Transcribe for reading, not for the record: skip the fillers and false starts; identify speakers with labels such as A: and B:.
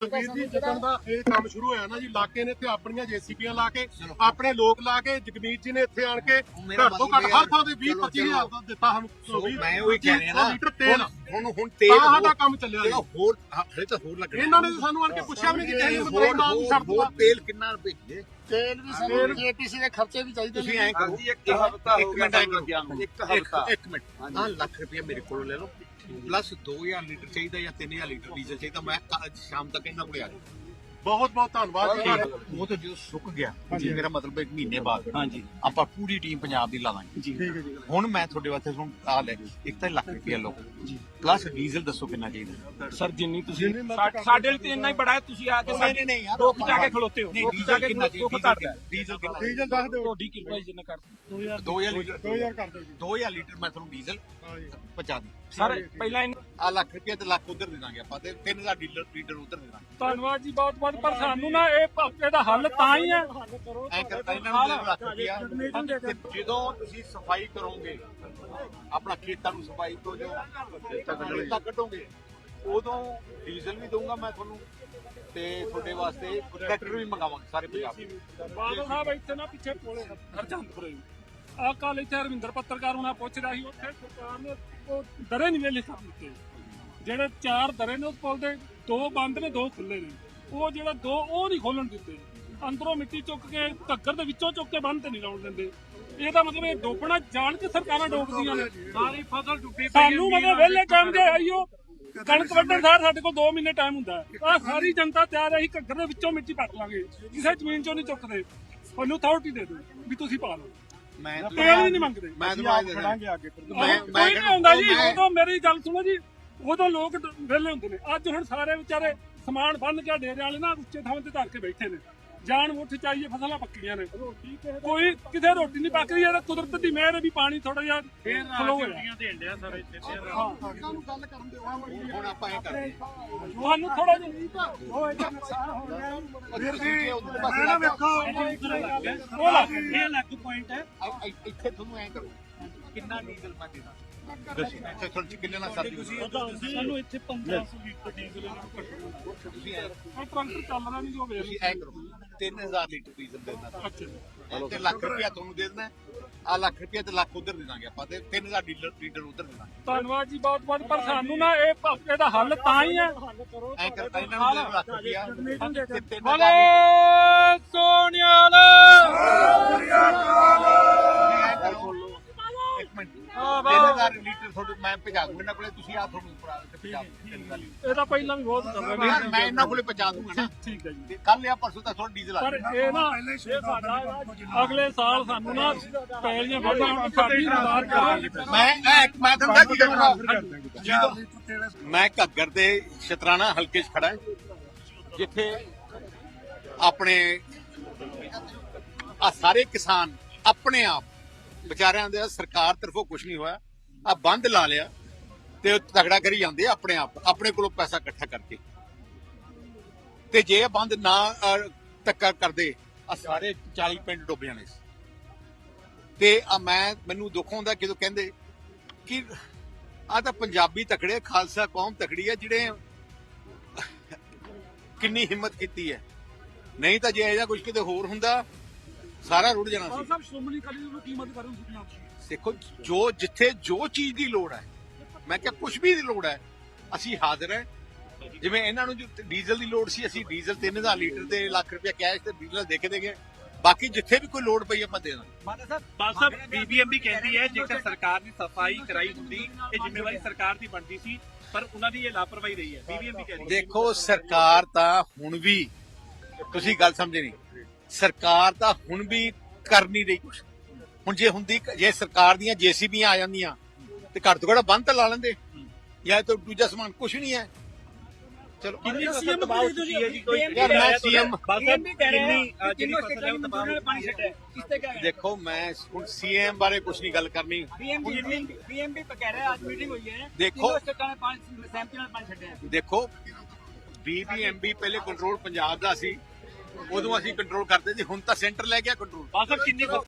A: ਵੀਰ ਜੀ ਜਿੱਦਣ ਦਾ ਇਹ ਕੰਮ ਸ਼ੁਰੂ ਹੋਇਆ ਨਾ ਜੀ ਇਲਾਕੇ ਨੇ ਇੱਥੇ ਆਪਣੀਆਂ ਜੇਸੀਬੀਆਂ ਲਾ ਕੇ ਆਪਣੇ ਲੋਕ ਲਾ ਕੇ ਜਗਮੀਤ ਜੀ ਨੇ ਇੱਥੇ ਆਣ ਕੇ ਘੱਟ ਤੋਂ ਘੱਟ ਹਰ ਥਾਂ ਤੇ 20-25 ਹਜ਼ਾਰ ਦਾ ਦਿੱਤਾ ਸਾਨੂੰ
B: ਮੈਂ ਉਹੀ ਕਹਿ ਰਿਹਾ ਨਾ
A: ਲੀਟਰ ਤੇਲ
B: ਹੁਣ ਤੇਲ
A: ਸਾਡਾ ਕੰਮ ਚੱਲਿਆ ਜੀ
B: ਹੋਰ ਹਲੇ ਤਾਂ ਹੋਰ ਲੱਗਣਾ
A: ਇਹਨਾਂ ਨੇ ਸਾਨੂੰ ਆਣ ਕੇ ਪੁੱਛਿਆ ਵੀ ਨਹੀਂ ਕਿ ਕਿਸੇ ਨੂੰ ਨਾਮ ਛੱਡ ਦੋ
B: ਤੇਲ ਕਿੰਨਾ ਰੁਪਏ ਦੇ
C: ਤੇਲ ਵੀ ਸਾਨੂੰ ਜੀਪੀਸੀ ਦੇ ਖਰਚੇ ਵੀ ਚਾਹੀਦੇ
B: ਤੁਸੀਂ ਐਂ ਕਰੋ ਇੱਕ ਮਿੰਟ ਇੱਕ ਮਿੰਟ ਆਹ ਲੱਖ ਰੁਪਏ ਮੇਰੇ ਕੋਲੋਂ ਲੈ ਲਓ ਪਲੱਸ 2000 ਲੀਟਰ ਚਾਹੀਦਾ ਜਾਂ 3000 ਲੀਟਰ ਡੀਜ਼ਲ ਚਾਹੀਦਾ ਮੈਂ ਸ਼ਾਮ ਤੱਕ ਇਹਨਾਂ ਕੋਲੇ ਆ ਜਾਊਂ
A: ਬਹੁਤ ਬਹੁਤ ਧੰਨਵਾਦ ਜੀ
B: ਉਹ ਤਾਂ ਜਦੋਂ ਸੁੱਕ ਗਿਆ ਮੇਰਾ ਮਤਲਬ ਇੱਕ ਮਹੀਨੇ ਬਾਅਦ ਆਪਾਂ ਪੂਰੀ ਟੀਮ ਪੰਜਾਬ ਦੀ ਲਾ ਦਾਂਗੇ
A: ਠੀਕ ਹੈ ਜੀ
B: ਹੁਣ ਮੈਂ ਤੁਹਾਡੇ ਵਾਸਤੇ ਹੁਣ ਆ ਲੈ ਇੱਕ ਤਾਂ ਲੱਖ ਰੁਪਏ ਲਓ ਪਲੱਸ ਡੀਜ਼ਲ ਦੱਸੋ ਕਿੰਨਾ ਚਾਹੀਦਾ
D: ਸਰ ਜਿੰਨੀ ਤੁਸੀਂ ਸਾਡੇ ਲਈ ਤੇ ਇੰਨਾ ਹੀ ਬੜਾ ਹੈ ਤੁਸੀਂ ਆ ਕੇ ਸਾਡੇ
B: ਨਹੀਂ ਯਾਰ
D: ਦੁੱਖ ਜਾ ਕੇ ਖਲੋਤੇ ਹੋ
B: ਨਹੀਂ ਡੀਜ਼ਲ ਕਿੰਨਾ ਚਾਹੀਦਾ
A: ਡੀਜ਼ਲ ਦੱਸ ਦਿਓ
D: ਤੁਹਾਡੀ ਕਿਰਪਾ ਜਿੰਨਾ ਕਰ
B: 2000 ਲੀਟਰ
A: 2000 ਕਰ ਦਿਓ ਜੀ
B: 2000 ਲੀਟਰ ਮੈਂ ਤੁਹਾਨੂੰ ਡੀਜ਼ਲ
A: ਹਾਂ ਜੀ
B: ਪਹੁੰਚਾ ਦੂੰ
D: ਸਰ ਪਹਿਲਾਂ
B: ਆ ਲੱਖ ਰੁਪਏ ਤੇ ਲੱਖ ਉਧਰ ਦੇ ਦਾਂਗੇ ਆਪਾਂ ਤੇ 3000 ਲੀਟਰ ਉਧਰ ਦੇ ਦਾਂਗੇ
D: ਧੰਨਵਾਦ ਜੀ ਬਹੁਤ ਬਹੁਤ ਪਰ ਸਾਨੂੰ ਨਾ ਇਹਦਾ ਹੱਲ ਤਾਂ ਹੀ ਹੈ
B: ਐਂ ਕਰ ਇਹਨਾਂ ਨੂੰ ਲੱਖ ਰੁਪਿਆ ਜਦੋਂ ਤੁਸੀਂ ਸਫਾਈ ਕਰੋਗੇ ਆਪਣਾ ਖੇਤਾਂ ਨੂੰ ਸਫਾਈ ਤੋਂ ਜੋ ਖੇਤਾਂ ਕੱਢੋਗੇ ਉਦੋਂ ਡੀਜ਼ਲ ਵੀ ਦਊਂਗਾ ਮੈਂ ਤੁਹਾਨੂੰ ਤੇ ਤੁਹਾਡੇ ਵਾਸਤੇ ਟਰੈਕਟਰ ਵੀ ਮੰਗਾਵਾਂਗੇ ਸਾਰੇ ਪੰਜਾਬ
D: ਬਾਦਲ ਸਾਹਿਬ ਇੱਥੇ ਨਾ ਪਿੱਛੇ ਕੋਲੇ ਹਰਚੰਦਪੁਰੇ ਆ ਕੱਲ ਇੱਥੇ ਰਵਿੰਦਰ ਪੱਤਰਕਾਰ ਉਹਨਾਂ ਪੁੱਛ ਰਿਹਾ ਸੀ ਉੱਥੇ ਸਰਕਾਰ ਨੇ ਉਹ ਦਰੇ ਨਹੀਂ ਵੇਲੇ ਕਰ ਦਿੱਤੇ ਜਿਹੜੇ 4 ਦਰੇ ਨੇ ਉਸ ਪੁਲ ਦੇ 2 ਬੰਦ ਨੇ 2 ਖੁੱਲੇ ਨੇ ਉਹ ਜਿਹੜਾ 2 ਉਹ ਨਹੀਂ ਖੋਲਣ ਦਿੱਤੇ ਅੰਦਰੋਂ ਮਿੱਟੀ ਚੁੱਕ ਕੇ ਘੱਗਰ ਦੇ ਵਿੱਚੋਂ ਚੁੱਕ ਕੇ ਬੰਦ ਤੇ ਨਹੀਂ ਲਾਉਣ ਦਿੰਦੇ ਇਹਦਾ ਮਤਲਬ ਇਹ ਡੋਬਣਾ ਜਾਣ ਕੇ ਸਰਕਾਰਾਂ ਡੋਬਦੀਆਂ ਨੇ ਸਾਰੀ ਫਸਲ ਡੁੱਬੀ ਸਾਨੂੰ ਮਤਲਬ ਵੇਲੇ ਟਾਈਮ ਦੇ ਆਈਓ ਕਣਕ ਵੱਢਣ ਸਾਰ ਸਾਡੇ ਕੋਲ 2 ਮਹੀਨੇ ਟਾਈਮ ਹੁੰਦਾ ਆ ਸਾਰੀ ਜਨਤਾ ਤਿਆਰ ਹੈ ਅਸੀਂ ਘੱਗਰ ਦੇ ਵਿੱਚੋਂ ਮਿੱਟੀ ਪੱਟ ਲਾਂਗੇ ਕਿਸੇ ਜ਼ਮੀਨ ਚੋਂ ਨਹੀਂ ਚੁੱਕਦੇ ਉਹਨੂੰ ਅਥਾਰਟੀ ਦੇ ਦਿਓ ਵੀ ਤੁਸੀਂ ਪਾ ਲਓ
B: ਮੈਂ
D: ਤੇਲ ਵੀ ਨਹੀਂ ਮੰਗਦੇ
B: ਮੈਂ ਤੁਹਾਨੂੰ
A: ਖੜਾਂਗੇ ਅੱਗੇ
D: ਕੋਈ ਨਹੀਂ ਆਉਂਦਾ ਜੀ ਉਦੋਂ ਮੇਰੀ ਗੱਲ ਸੁਣੋ ਜੀ ਉਦੋਂ ਲੋਕ ਵਿਹਲੇ ਹੁੰਦੇ ਨੇ ਅੱਜ ਹੁਣ ਸਾਰੇ ਵਿਚਾਰੇ ਸਮਾਨ ਬੰਨ ਕੇ ਡੇਰੇ ਵਾਲੇ ਨਾ ਉੱਚੇ ਥਾਂ ਤੇ ਧਰ ਕੇ ਬੈਠੇ ਨੇ ਜਾਨ ਮੁੱਠ ਚਾਹੀਏ ਫਸਲਾਂ ਪੱਕੀਆਂ ਨੇ ਕੋਈ ਕਿਤੇ ਰੋਟੀ ਨਹੀਂ ਪੱਕ ਰਹੀ ਹੈ ਕੁਦਰਤ ਦੀ ਮਿਹਰ ਹੈ ਵੀ ਪਾਣੀ ਥੋੜਾ ਜਿਹਾ ਫਲੋ ਹੋਇਆ
A: ਦੇਣ ਡਿਆ ਸਾਰੇ ਇੱਥੇ
C: ਉਹਨਾਂ ਨੂੰ ਗੱਲ ਕਰਨ ਦਿਓ
B: ਹੁਣ ਆਪਾਂ ਇਹ ਕਰਦੇ
D: ਤੁਹਾਨੂੰ ਥੋੜਾ ਜਿਹਾ
A: ਨਾ ਵੇਖੋ
D: ਉਹ ਲੱਗ ਇਹ ਲੱਗ ਪੁਆਇੰਟ ਹੈ
B: ਇੱਥੇ ਤੁਹਾਨੂੰ ਐਂ ਕਰੋ ਕਿੰਨਾ ਡੀਜ਼ਲ ਮੈਂ ਦੇਣਾ ਦੱਸੋ ਇੱਥੇ ਤੁਹਾਨੂੰ ਕਿੰਨੇ ਨਾਲ ਸਰਦੀ
D: ਸਾਨੂੰ ਇੱਥੇ 1500 ਲੀਟਰ ਡੀਜ਼ਲ
B: ਤੁਸੀਂ ਐਂ
D: ਟਰੰਕ ਚੱਲ ਰਿਹਾ ਨਹੀਂ ਜੋ ਵੇਖ
B: ਤੁਸੀਂ ਐਂ ਕਰੋ 3000 ਲੀਟਰ ਡੀਜ਼ਲ ਦੇਣਾ
D: ਅੱਛਾ
B: ਤੇ ਲੱਖ ਰੁਪਇਆ ਤੁਹਾਨੂੰ ਦੇ ਦੇਣਾ ਆ ਲੱਖ ਰੁਪਇਆ ਤੇ ਲੱਖ ਉਧਰ ਦੇ ਦਾਂਗੇ ਆਪਾਂ ਤੇ 3000 ਲੀਟਰ ਉਧਰ ਦੇ ਦਾਂਗੇ
D: ਧੰਨਵਾਦ ਜੀ ਬਹੁਤ ਬਹੁਤ ਪਰ ਸਾਨੂੰ ਨਾ ਇਹਦਾ ਹੱਲ ਤਾਂ ਹੀ ਹੈ
B: ਐਂ ਕਰਦਾ ਇਹਨਾਂ ਨੂੰ ਦੇ ਲੱਖ ਰੁਪਇਆ ਤੇ 3000
D: ਬੋਲੇ ਸੋਨਿਆਲ
B: ਇੱਕ ਮਿੰਟ 3000 ਲੀਟਰ ਤੁਹਾਡੇ ਮੈਂ ਭਜਾ ਦੂੰਗਾ ਇਹਨਾਂ ਕੋਲੇ ਤੁਸੀਂ ਆ ਤੁਹਾਨੂੰ ਭਰਾ ਕੇ ਭਜਾ ਦਿਓ
D: ਇਹ ਤਾਂ ਪਹਿਲਾਂ ਵੀ ਬਹੁਤ ਚੱਲ ਰਿਹਾ
B: ਮੈਂ ਇਹਨਾਂ ਕੋਲੇ ਪਹੁੰਚਾ ਦੂੰਗਾ ਨਾ
D: ਠੀਕ ਹੈ ਜੀ
B: ਕੱਲ ਜਾਂ ਪਰਸੋਂ ਤੱਕ ਤੁਹਾਡਾ ਡੀਜ਼ਲ ਆ
D: ਪਰ ਇਹ ਨਾ ਇਹ ਸਾਡਾ ਅਗਲੇ ਸਾਲ ਸਾਨੂੰ ਨਾ ਪੈਲੀਆਂ ਵੱਢਾਂ ਸਾਡੀ ਸਰਕਾਰ ਕਰਾਂਗੇ
B: ਮੈਂ ਤੁਹਾਨੂੰ ਕੀ ਕਰਨਾ ਮੈਂ ਘੱਗਰ ਦੇ ਸ਼ਤਰਾਣਾ ਹਲਕੇ 'ਚ ਖੜਾ ਹਾਂ ਜਿੱਥੇ ਆਪਣੇ ਆ ਸਾਰੇ ਕਿਸਾਨ ਆਪਣੇ ਆਪ ਵਿਚਾਰਿਆਂ ਦੇ ਸਰਕਾਰ ਤਰਫੋਂ ਕੁਝ ਨਹੀਂ ਹੋਇਆ ਆ ਬੰਦ ਲਾ ਲਿਆ ਤੇ ਤਗੜਾ ਕਰੀ ਜਾਂਦੇ ਆ ਆਪਣੇ ਆਪ ਆਪਣੇ ਕੋਲੋਂ ਪੈਸਾ ਇਕੱਠਾ ਕਰਕੇ ਤੇ ਜੇ ਇਹ ਬੰਦ ਨਾ ਧੱਕਾ ਕਰਦੇ ਆ ਸਾਰੇ 40 ਪਿੰਡ ਡੁੱਬ ਜਾਣੇ ਤੇ ਆ ਮੈਨੂੰ ਦੁੱਖ ਹੁੰਦਾ ਜਦੋਂ ਕਹਿੰਦੇ ਕਿ ਆ ਤਾਂ ਪੰਜਾਬੀ ਤਕੜੇ ਖਾਲਸਾ ਕੌਮ ਤਕੜੀ ਹੈ ਜਿਹੜੇ ਕਿੰਨੀ ਹਿੰਮਤ ਕੀਤੀ ਹੈ ਨਹੀਂ ਤਾਂ ਜੇ ਇਹਦਾ ਕੁਝ ਕਿਤੇ ਹੋਰ ਹੁੰਦਾ ਸਾਰਾ ਰੁੜ ਜਾਣਾ ਸੀ
D: ਸਭ ਸ਼੍ਰੋਮਣੀ ਅਕਾਲੀ ਦਲ ਨੂੰ ਕੀਮਤ ਕਰਨ ਸੁਪਨਾ
B: ਦੇਖੋ ਜਿੱਥੇ ਜੋ ਚੀਜ਼ ਦੀ ਲੋੜ ਹੈ ਮੈਂ ਕਿਹਾ ਕੁਝ ਵੀ ਦੀ ਲੋੜ ਹੈ ਅਸੀਂ ਹਾਜ਼ਰ ਹੈ ਜਿਵੇਂ ਇਹਨਾਂ ਨੂੰ ਜੋ ਡੀਜ਼ਲ ਦੀ ਲੋੜ ਸੀ ਅਸੀਂ ਡੀਜ਼ਲ 3000 ਲੀਟਰ ਤੇ ਲੱਖ ਰੁਪਏ ਕੈਸ਼ ਤੇ ਡੀਜ਼ਲ ਦੇ ਕੇ ਦੇਗੇ ਬਾਕੀ ਜਿੱਥੇ ਵੀ ਕੋਈ ਲੋੜ ਪਈ ਆਪਾਂ ਦੇ ਦਾਂਗੇ
E: ਸਾਹਿਬ ਬੀਬੀਐਮਬੀ ਕਹਿੰਦੀ ਹੈ ਜੇਕਰ ਸਰਕਾਰ ਨੇ ਸਫਾਈ ਕਰਾਈ ਹੁੰਦੀ ਇਹ ਜ਼ਿੰਮੇਵਾਰੀ ਸਰਕਾਰ ਦੀ ਬਣਦੀ ਸੀ ਪਰ ਉਹਨਾਂ ਦੀ ਇਹ ਲਾਪਰਵਾਹੀ ਰਹੀ ਹੈ ਬੀਬੀਐਮਬੀ ਕਹਿੰਦੀ
B: ਦੇਖੋ ਸਰਕਾਰ ਤਾਂ ਹੁਣ ਵੀ ਤੁਸੀਂ ਗੱਲ ਸਮਝੇ ਨਹੀਂ ਸਰਕਾਰ ਤਾਂ ਹੁਣ ਵੀ ਕਰ ਨਹੀਂ ਰਹੀ ਕੁਛ ਹੁਣ ਜੇ ਸਰਕਾਰ ਦੀਆਂ ਜੇਸੀਬੀਆਂ ਆ ਜਾਂਦੀਆਂ ਤੇ ਘੱਟ ਤੋਂ ਘੱਟ ਬੰਦ ਤਾਂ ਲਾ ਲੈਂਦੇ ਜਾਂ ਤਾਂ ਦੂਜਾ ਸਮਾਨ ਕੁਛ ਨਹੀਂ ਹੈ ਚਲੋ
E: ਕਿੰਨੀ ਫਸਲ ਤਬਾਹ ਹੋ ਚੁੱਕੀ ਹੈ ਜੀ ਕੋਈ
B: ਯਾਰ ਮੈਂ ਸੀਐਮ
E: ਕਿੰਨੀ ਜਿਹੜੀ ਫਸਲ ਹੈ ਉਹ ਤਬਾਹ ਹੋ ਪਾਣੀ ਛੱਡਿਆ
C: ਇਸ ਤੇ ਕਿਆ
B: ਦੇਖੋ ਮੈਂ ਹੁਣ ਸੀਐਮ ਬਾਰੇ ਕੁਝ ਨਹੀਂ ਗੱਲ ਕਰਨੀ
C: ਬੀਐਮਪੀ ਕਹਿ ਰਿਹਾ ਅੱਜ ਮੀਟਿੰਗ ਹੋਈ ਹੈ
B: ਦੇਖੋ
C: ਸਟੇਟਾਂ ਨੇ ਪਾਣੀ ਸਹਿਮਤੀ ਨਾਲ ਪਾਣੀ ਛੱਡਿਆ
B: ਦੇਖੋ ਬੀਬੀਐਮਬੀ ਪਹਿਲੇ ਕੰਟਰੋਲ ਪੰਜਾਬ ਦਾ ਸੀ ਉਦੋਂ ਅਸੀਂ ਕੰਟਰੋਲ ਕਰਦੇ ਸੀ ਹੁਣ ਤਾਂ ਸੈਂਟਰ ਲੈ ਗਿਆ ਕੰਟਰੋਲ
E: ਬਾਸਰ ਕਿੰਨੀ